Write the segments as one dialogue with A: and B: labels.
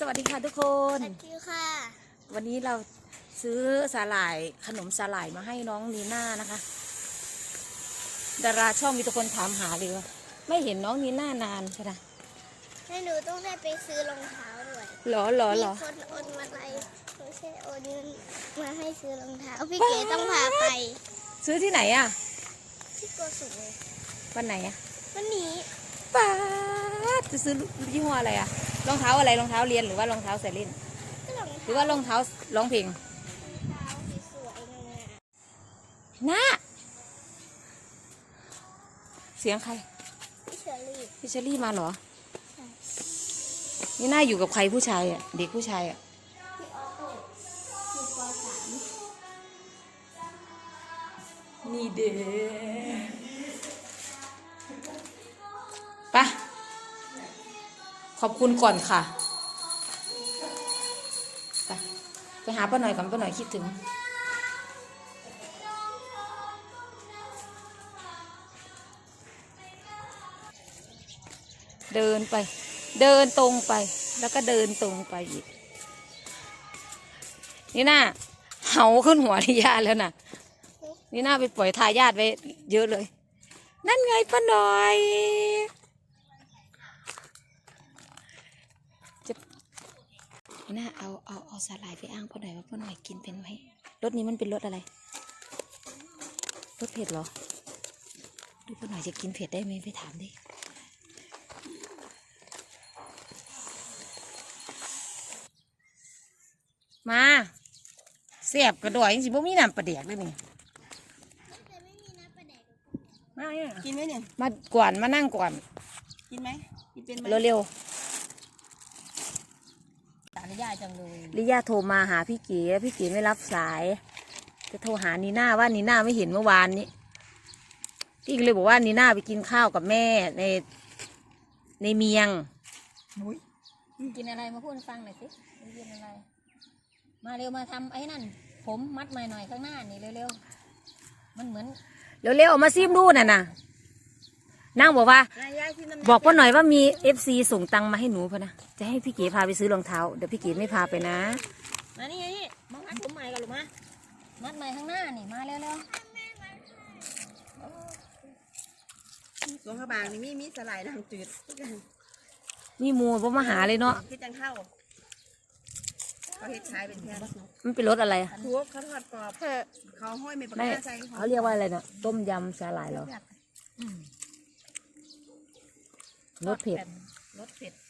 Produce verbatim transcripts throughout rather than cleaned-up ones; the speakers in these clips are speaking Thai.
A: สวัสดีค่ะทุกคน
B: สวัสดีค่ะ
A: วันนี้เราซื้อสาหร่ายขนมสาหร่ายมาให้น้องนีน่านะคะดาราช่องมีทุกคนถามหาเลยว่าไม่เห็นน้องนีน่านานใช่ไหม
B: ให้หนูต้องได้ไปซื้อรองเท้าด้วย
A: หรอหรอหรอ
B: มีคนโอนมาอะไรไม่ใช่โอนเงินมาให้ซื้อรองเท้าพี่เก๋ต้องพาไป
A: ซื้อที่ไหนอ่ะ
B: ที่โกสุม
A: วันไหนอ่ะ
B: วันนี้
A: ป้าจะซื้อยี่ห้ออะไรอ่ะรองเท้าอะไรรองเท้าเรียนหรือว่ารองเท้าใส่เล่นหรือว่ารองเท้าร้องเพลง
B: สวยๆงาม
A: น้าเสียงใคร
B: พี่เชอรี่
A: พี่เชอรี่มาเหรอนี่น่าอยู่กับใครผู้ชายอ่ะเด็กผู้ชายอ่ะ
B: พี่ออโต้อยู่ป.สาม
A: นี่เด้ปะขอบคุณก่อนค่ะไปไปหาป้าหน่อยก่อนป้าหน่อยคิดถึงเดินไปเดินตรงไปแล้วก็เดินตรงไปอีกนี่น่าเหาขึ้นหัวทิยาแล้วน่ะนี่น่าไปปล่อยทายาทไว้เยอะเลยนั่นไงป้าหน่อยจะนี่น่าเอาเอาเอาสาหร่ายไปอ้างป้าหน่อยว่าป้าหน่อยกินเป็นไหมรสนี้มันเป็นรสอะไรรสเผ็ดเหรอดูป้าหน่อยจะกินเผ็ดได้ไหมไปถามดิมาเสียบกระดอยจริงๆพวกมีน้ำปลาแดกด้วยนี่มาเนี่ย
C: กินไหมเนี่ย
A: มาก่อนมานั่งก่อน
C: กินไหมกินเป็นไหม
A: เร็ว
C: ๆตาลิยาจังเลย
A: ลิยาโทรมาหาพี่เก๋พี่เก๋ไม่รับสายจะโทรหานีน่าว่านีน่าไม่เห็นเมื่อวานนี้พี่ก็เลยบอกว่านีน่าไปกินข้าวกับแม่ในในเมียง
C: กินอะไรมาพูดฟังหน่อยสิกินอะไรมาเร็วมาทำไอ้นั่นผมมัดใหม่หน่อยข้างหน้านี่เร็วๆมันเหมือน
A: เร็วๆออกมาซิมดูน่ะนะนั่งบอกว่าบอกป้าหน่อยว่ามีเอฟซีส่งตังมาให้หนูพะนะจะให้พี่เก๋พาไปซื้อรองเท้าเดี๋ยวพี่เก๋ไม่พาไปนะ
C: มานี่ไงนี่มามัดผมใหม่กันหรือมามัดใหม่ข้างหน้านี่มาเร็วๆหลวงพระบางนี่มีมีสลายน้ำจืด
A: มีมูลพ่อมาหาเลยเนาะ
C: คิดจังเข้าเขาเฮ็ดขายเป็นแค่
A: มันเป็นรสอะไรอ่ะ
C: ทุกเขาทอดกรอบเขาห้อยไม่ปากกาใส่
A: เขาเรียกว่าอะไรนะต้มยำสาหร่ายเหรอรสเผ็ด
C: รสเผ็ด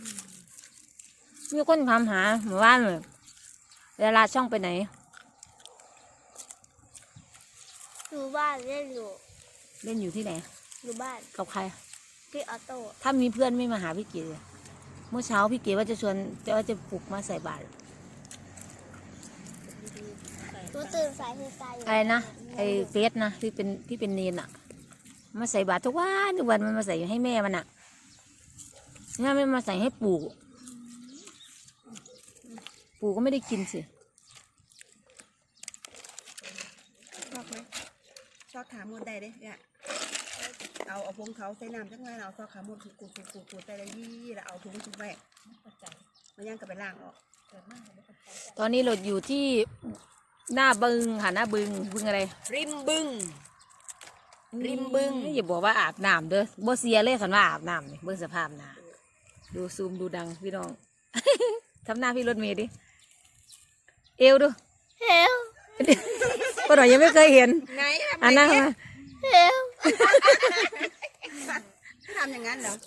A: มีคนถามหาหมู่บ้านเลยเวลาช่องไปไหน
B: อยู่บ้านเล่นอยู่
A: เล่นอยู่ที่ไหน
B: อยู่บ้าน
A: กับใคร
B: พี่ออโต้
A: ถ้ามีเพื่อนไม่มาหาพี่เก๋เมื่อเช้าพี่เก๋ว่าจะชวนจะว่าจะปลุกมาใส่บาตร
B: ตัวตื่นสายคือสาย
A: อะไรนะไอเฟสนะที่เป็นที่เป็นเนนอะมาใส่บาตรทุกวันทุกวันมันมาใส่ให้แม่มันอะถ้าไม่มาใส่ให้ปู่ปู่ก็ไม่ได้กินสิ
C: ชอบไหมชอบถามมดได้เลยเนี่ยเอาเอาพงเขาใส่น้ำจังไงเราซอกขาหมดกูกูกูกูใส่เลยยี่แล้วเอาถุงถุงแบกมันยังกับไปล่างออก
A: ตอนนี้เราอยู่ที่หน้าบึงค่ะหน้าบึงบึงอะไร
C: ริมบึงริมบึง
A: อย่าบอกว่าอาบน้ำเด้อบ่เสียเลยคันว่าอาบน้ำนี่เบิ่งสภาพหน้าดูซูมดูดังพี่น้องทำหน้าพี่รถเมย์ดิเอวดู
B: เฮล
A: ก็หน่อยยังไม่เคยเห็น
C: ไง
A: อันนั้นมา
B: เฮล
C: ทำอย่างนั้นเหรอ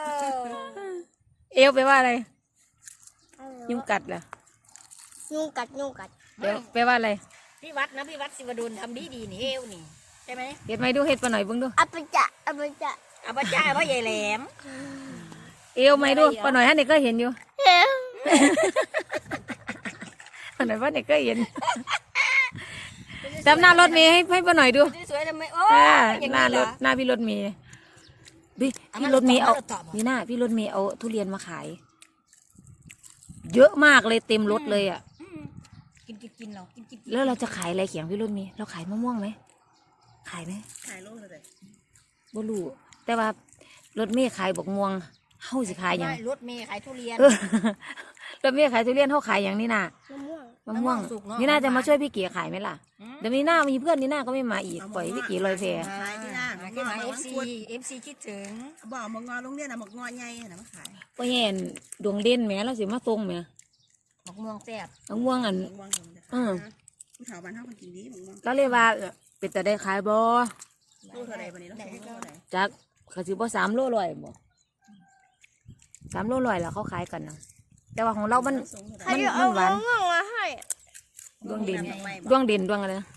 A: เอวไปว่าอะไรยุงกัดเหรอ
B: ยุงกัดยุงกัด
A: เดี๋ยวไปว่าอะไร
C: พี่วัดนะพี่วัดศิวดุลทำดีดีนี่เอวนี่ใช่ไหม
A: เห็ดไหมดูเห็ดปะหน่อยเบิ่งดู
B: อัปจะอัปจะ
C: อัปจะเพราะใหญ่แหลม
A: เอวไหมดูปะหน่อยฮะเด็กก็เห็นอยู่
B: เฮล
A: ปะหน่อยว่าเด็กก็เห็นจำหน้ารถเมย์ให้ให้ปะหน่อยดู
C: สวยทำไมโอ้
A: หน้ารถหน้าพี่รถเมย์พี่พี่รถเมย์เอานี่หน้าพี่รถเมย์เอาทุเรียนมาขายเยอะมากเลยเต็มรถเลยอ่ะ
C: กินกินกินเรากินกิน
A: แล้วเราจะขายอะไรเขียงพี่รถเมย์เราขายมะม่วงไหมขายไหม
C: ขายโลเลย
A: บ่รู้แต่ว่ารถเมย์ขายบอกม่วงเฮาสิขายยัง
C: รถเมย์ขายทุเรียน
A: แล้วแม่ขายทุเรียนเขาขายอย่างนี้น่ะ
B: มะม่วง
A: มะม่วง
C: สุกเนาะ
A: นี่น่าจะมาช่วยพี่เก๋ขายไหมล่ะเดี๋ยวนี้น่ามีเพื่อนนี่น่าก็ไม่มาอีกปล่อยให้พี่เก๋ลอยแพ
C: ขายที่หน้า
D: ขึ้นมาเอฟซีเอฟซีคิดถึง
C: บอกหมกงอโรงเรียนน่ะหมกงอใหญ่น่ะมาขาย
A: ก็เห็นดวงเด่นแหม่เราสิมาตรงแหม่
D: มะม่วงแซ่บ
A: มะม่วงอัน
C: หมกงอผมจะ
A: เออ
C: ผู้เฒ่าบ้านเฮาคนกินดีหมกงอ
A: ก็เลยว่าเป็นแต่ได้ขายบ่
C: ตู้เท่าไหร่บัดนี้เราส่งเท่าไหร่
A: จักเขาสิบ่สามโลร้อยบ่สามโลร้อยแล้วเขาขายกันนะแต่ว่าของเรามัน
C: ส่งเท่าไห
B: ใคร
C: ร่
B: จะเอามะม่วงมาให้
A: ดวงเด่น
C: ดอกไม้บ่
A: ดวงเด่นดวงอะไรนะ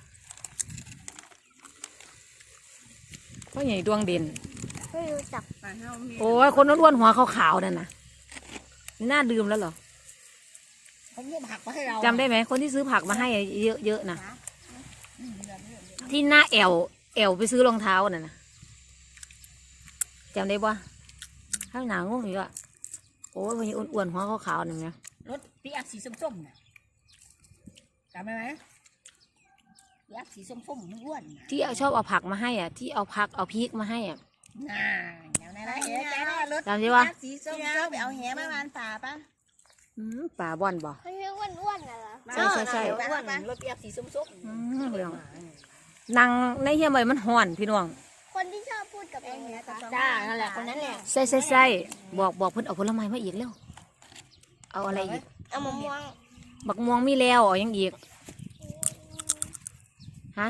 A: ก็ใหญ่ดวงเด่น
B: ไม่รู้จัก
C: บ้านเฮามี
A: โอ้ยคนอ้วนๆหัวขาวๆนั่นน่ะนี่น่าดื่มแล้วเหรอ
D: เขาเรียกผักมาให้เรา
A: จำได้ไหมคนที่ซื้อผักมาให้เยอะๆนะที่หน้าแอวแอวไปซื้อรองเท้าน่ะนะจำได้ปะข้างหนางงอีกอ่ะโอ้ยคนนี้อ้วนๆหัวขาวๆนั่นไง
D: รถปีอัพสีส้มๆน่ะจำได้ไหมปีอัพสีส้มๆมันอ้วนน่ะ
A: ที่เอาชอบเอาผักมาให้อ่ะที่เอาผักเอาพริกมาให้อ่ะ
D: น่าเดี๋ยวนะนะเห็นใจได้รถ
A: จำได้ปะ
D: สีส้ม
C: พี่เอาไปเอาแหมาวานป่าป่ะ
A: อืมป่าบ่อนบ่
B: เขาเรียกอ้วนๆน่ะเหรอ
A: ใช่ใช่ใช่
D: อ้วนรถปีอัพสีส้ม
A: อืมเรื่องนางในเฮียใบมันห่อนพี่น้อง
B: คนที่ชอบพูดกับเองนะคะ
D: ๆจ้านั่นแหละคนนั้นแหละ
A: ใส่ใส่ใส่บอกบอกเพิ่นเอาผลไม้มาอีกแล้วเอาอะไรอีก
B: เอามะม่วง
A: บักม่วงมีแล้วเอายังอีกฮะ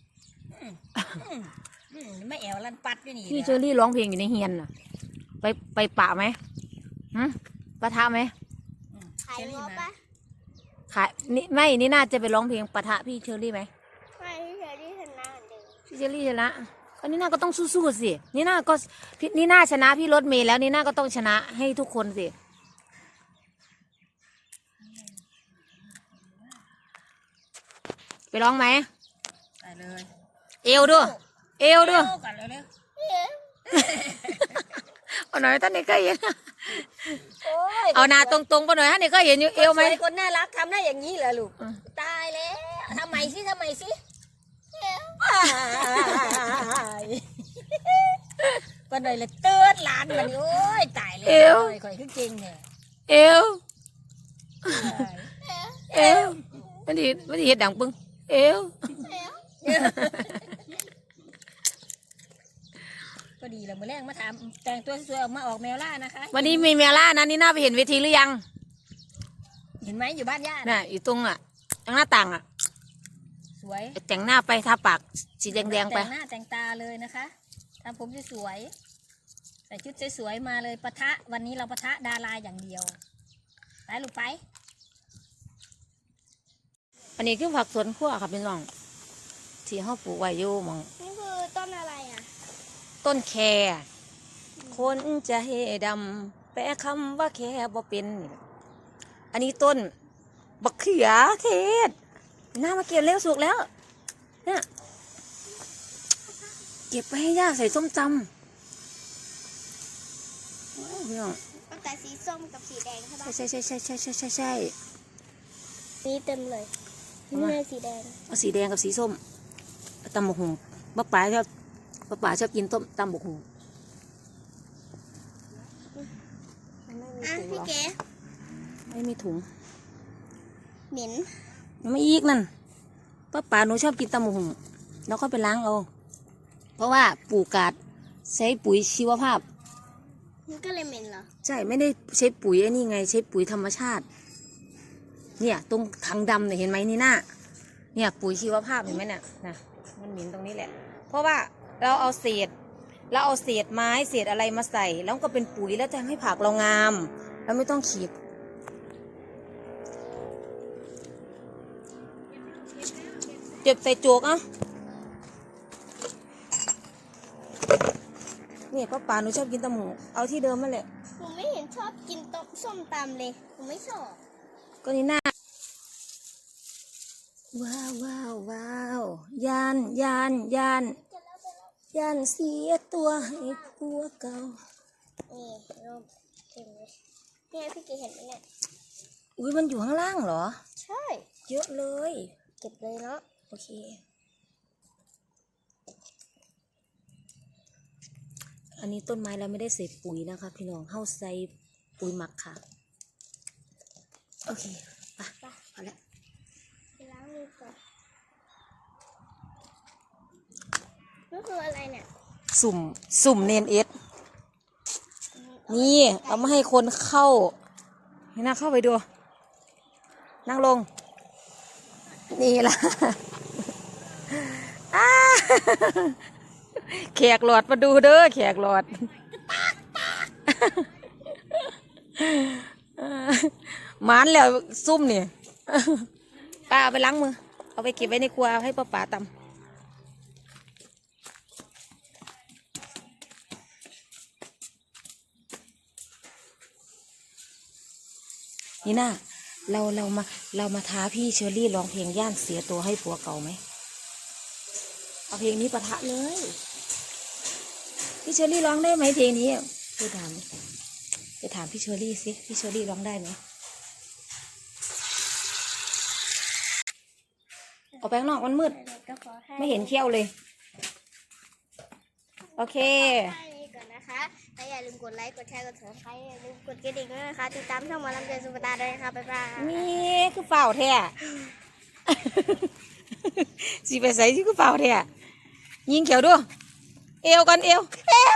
D: อืมไม่แอวลันปัดด้วยนี่
A: พี่เชอรี่ร้องเพลงอยู่ในเฮียนน่ะ ไปไปปะไหมหืมปะทะไหม
B: ขายงอปะ
A: ขายนี่ไม่นี่น่าจะไปร้องเพลงปะทะพี่เชอรี่ไหม
B: ไม่พี่เชอรี่ชนะเหมือนเดิม
A: พี่เชอรี่ชนะก็นี่น่าก็ต้องสู้ๆสินี่น่าก็พี่นี่น่าชนะพี่รถเมย์แล้วนี่น่าก็ต้องชนะให้ทุกคนสิไปร้องไหม
D: ไปเลย
A: เอวด้วยเอวด้วย
D: เร็วก่อนเร็ว
A: เอาหน่อยท่านนี่เคยเห็น
D: ๆโอ้ย
A: เอาหน้าตรงๆไปหน่อยท่านนี่เคยเห็นอยู่เอวไหม
D: สคนน่ารักทำได้อย่างนี้เหรอลูก
A: อืม
D: ตายแล้วทำไมสิทำไมสิก็เลยละเตือนหลานมันโอ้ยตายเลยข่อยขึ้นจริงเนี่ย
A: เอวเอวมันดีมันดีเห็ดดังปึ้งเอว
D: ก็ดีแล้วมื่อแรกมาถามแต่งตัวสวยๆออกมาออกแมวล่านะคะ
A: วันนี้มีเมล่านะนี่น่าไปเห็นเวทีหรือยัง
D: เห็นไหมอยู่บ้านญาติ
A: น่ะอยู่ตรงอ่ะตรงหน้าต่างอ่ะ
D: สวย
A: แต่งหน้าไปทาปากสีแดงๆไป
D: แต่งหน้าแต่งตาเลยนะคะทำผมสวยๆใส่ชุดสวยๆมาเลยปะทะวันนี้เราปะทะดาราอย่างเดียวไปลูกไป
A: อันนี้คือผักสวนครัวค่ะพี่น้องที่เขาปลูกไว้อยู่หมอง
B: นี่คือต้นอะไรอ่ะ
A: ต้นแคคนจะเฮดำแปลคำว่าแคบ่เป็นนี่แหละอันนี้ต้นบักเขือเทศหน้ามาเก็บเร็วสุกแล้วเนี่ยเก็บไปให้ย่าใส่ส้มตำโอ้ยพี่น้อง
B: ตั้งแต่สีส้มกับสีแดงใช่ปะ
A: ใช่ใช่ใช่ใช่ใช่ใช่ใช่
B: นี่เต็มเลย
A: เอา
B: นี่
A: มา
B: เลยสีแดง
A: เอาสีแดงกับสีส้มตำบกหุงป้าป๋าชอบป้าป๋าชอบกินต้มตำบกหุง
B: อ่ะพี่เก๋
A: ไม่มีถุง
B: เหม็น
A: ยังไม่อีกนั่นป้าป๋าหนูชอบกินตำบกหุงแล้วก็ไปล้างเอาเพราะว่าปลูกกาดใช้ปุ๋ยชีวภาพ
B: มันก็เลยเหม็นเหรอ
A: ใช่ไม่ได้ใช้ปุ๋ยไอ้นี่ไงใช้ปุ๋ยธรรมชาติ เนี่ยตรงถังดำเนี่ยเห็นไหมนี่หน้าเนี่ยปุ๋ยชีวภาพเห็นไหมเนี่ยนะมันเหม็นตรงนี้แหละ เพราะว่าเราเอาเศษเราเอาเศษไม้เศษอะไรมาใส่ แล้วก็เป็นปุ๋ยแล้วจะให้ผักเรางามเราไม่ต้องขีดเจ็บใส่โจกอ่ะเนี่ยป้าป๋าหนูชอบกินตะหมูเอาที่เดิมนั่นแหละ
B: หนูไม่เห็นชอบกินต้มส้มตำเลยหนูไม่ชอบ
A: ก็นี่หน้าว้าวว้าวว้าวยานยานยานยานเสียตัวให้ผัวเก่า
B: นี่ร่มเต็มเลยเนี่ยพี่เก๋เห็นไหมเนี่ย
A: อุ้ยมันอยู่ข้างล่างเหรอ
B: ใช่
A: เยอะเลย
B: เก็บเลยเนาะ
A: โอเคอันนี้ต้นไม้เราไม่ได้ใส่ปุ๋ยนะคะพี่น้องเข้าใส่ปุ๋ยหมักค่ะโอเคไปพอแล้ว
B: ไปล้างมือก่อนนี่คืออะไรเนี่ย
A: สุ่มสุ่มเนนเอสนี่เอามาให้คนเข้าให้น่าเข้าไปดู นั่งลง นี่ล่ะ อ้าแขกหลอดมาดูเด้อแขกหลอด หมานแล้วซุ่มนี่ ป้าเอาไปล้างมือ เอาไปเก็บไว้ในครัวให้ป้าป๋าตำนี่น่าเราเรามาเรามาท้าพี่เชอรี่ร้องเพลงย่านเสียตัวให้ผัวเก่าไหมเอาเพลงนี้ปะทะเลยพี่เชอรี่ร้องได้ไหมเพลงนี้ไปถามไปถามพี่เชอรี่สิพี่เชอรี่ร้องได้ไหมออกไปข้างนอกมันมืด
B: ก็ขอให้
A: ไม่เห็นเขี้ยวเลย โอเค
B: แค่นี้ก่อนนะคะและอย่าลืมกดไลค์ กดแชร์ กดซับสไครต์อย่าลืมกดกระดิ่งด้วยนะคะ ติดตามช่องหมอลำเจนสุภตาด้วยนะคะบ๊ายบาย
A: นี่คือเปล่าแท้ สิไปใส่ที่คือเปล่าแท้ยิงเขียวด้วยเอวกันเอวเอว